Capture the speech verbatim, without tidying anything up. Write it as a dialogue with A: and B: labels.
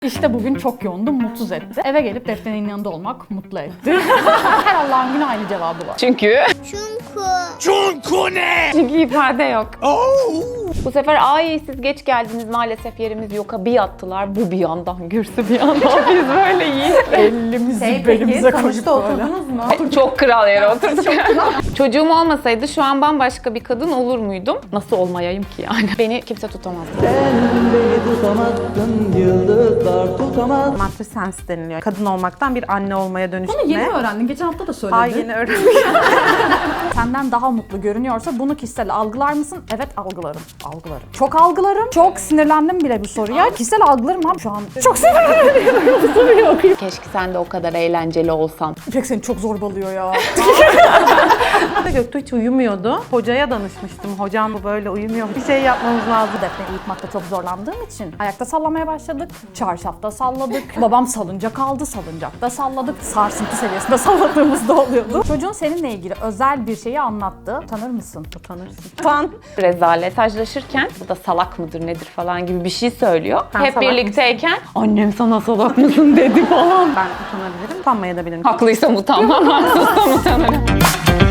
A: İşte bugün çok yoğundum, mutsuz etti. Eve gelip Defne'nin yanında olmak mutlu etti. Her Allah'ın günü aynı cevabı var.
B: Çünkü...
C: Çünkü.
B: Çünkü ne? Çünkü ifade yok.
C: Oh.
B: Bu sefer ay siz geç geldiniz maalesef yerimiz yok. Bir yattılar bu bir yandan Gürsü bir yandan biz böyle yiyiz.
A: Elimizi
D: Şey
A: belimize
D: peki,
A: koyduk
D: sonuçta
A: böyle.
D: oturdunuz mu?
B: Çok kral yere oturduk. Çocuğum olmasaydı şu an bambaşka bir kadın olur muydum? Nasıl olmayayım ki yani? Beni kimse tutamaz.
E: Beni tutamazsın, yıldızlar tutamaz.
D: Matrisense deniliyor. Kadın olmaktan bir anne olmaya dönüşme.
A: Bunu yeni mi öğrendin? Geçen hafta da söyledin.
D: Ay yeni öğrendim.
A: Senden daha mutlu görünüyorsa bunu kişisel algılar mısın? Evet, algılarım. Algılarım. Çok algılarım. Çok sinirlendim bile bu soruya. Kişisel algılarım abi şu an. Çok sinirlendim. Bu soruyu okuyayım.
B: Keşke sen de o kadar eğlenceli olsan.
A: İpek seni çok zorbalıyor ya.
D: Göktuğ hiç uyumuyordu. Hocaya danışmıştım. Hocam bu böyle uyumuyor. Bir şey yapmamız lazım.
A: Defne'yi uyutmakta çok zorlandığım için ayakta sallamaya başladık. Çarşafta salladık. Babam salıncak aldı. Salıncakta salladık. Sarsıntı seviyesinde salladığımız da oluyordu. Çocuğun seninle ilgili özel bir şeyi anlattı. Tanır mısın?
D: Utanırsın. Utan.
B: Rezalet. Mesajlaşırken bu da salak mıdır nedir falan gibi bir şey söylüyor.
D: Ben
B: Hep
D: salak
B: birlikteyken annem sana salak mısın dedi falan.
D: Ben utanabilirim. Utanmaya da bilirim.
B: Haklıysam utanmam, haksızsam utanırım.